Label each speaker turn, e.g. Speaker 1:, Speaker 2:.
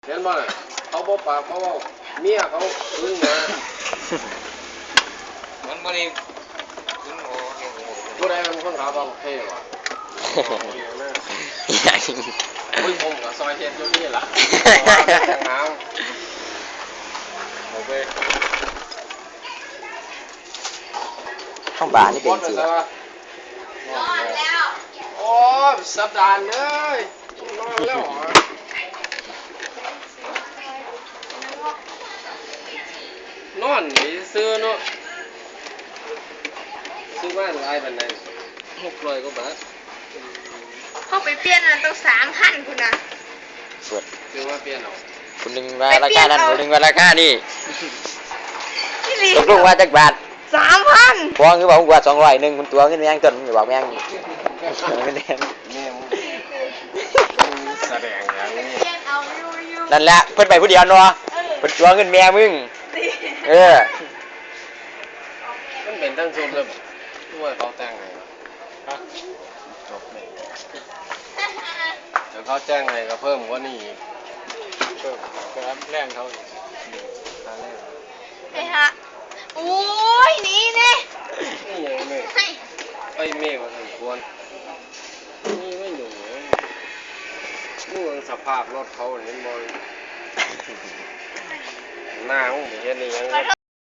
Speaker 1: เห็นบ่เขาบอกปากเขาว่าเมียเขาพึ่งนะ
Speaker 2: มันบ่ได้
Speaker 1: ผู้ใดเป็นคนขาบังเท่ว่ะอุ้ยผมกับซอยเทียนอยู่นี่ล่ะน้ำโอเค
Speaker 3: ข้างบ้านนี่เป็นสิ
Speaker 1: นอนแล้วโอ้สัปดาห์เลยนอนแล้วนอนนี่ซื้อเนาะซื้อบ้านไรบันได600 กว่าบาท
Speaker 4: เขาไปเปลี่ยนมันต้อง3,000คุณนะ
Speaker 1: ซื้อว่าเปลี่ยนเอา
Speaker 3: คุณนึงว่าราคานั้นคุณนึงว่าราคานี่
Speaker 4: นี่
Speaker 3: ตกลงว่าจักบาท
Speaker 4: 3,000
Speaker 3: ฟ้องคือบอกว่า200คุณตัวเงินแมงต้นมึงบอกแมงเงินแดง
Speaker 1: แม่แสดงอย่างนี้
Speaker 4: เปลี่ยนเอาอยู่
Speaker 3: นั่นแหละเพิ่นไปผู้เดียวเนาะเพิ่นตัวเงินแม่มึง
Speaker 1: มันเป็นทั้งชุดเลยด้วยเขาแต่งไงจบเลยเดี๋ยวเขาแจ้งไงก็เพิ่มกว่านี้อีกเพิ่มก็แรงเขาอีกค่าแรง
Speaker 4: ไอ้ฮะโอ้ยนี่นี่
Speaker 1: นี่ยังไม่ไปเมฆมาสมควรนี่ไม่หนูนี่มันสภาพรถเขาเห็นบอลหน้ามึงเห็นนี่ยัง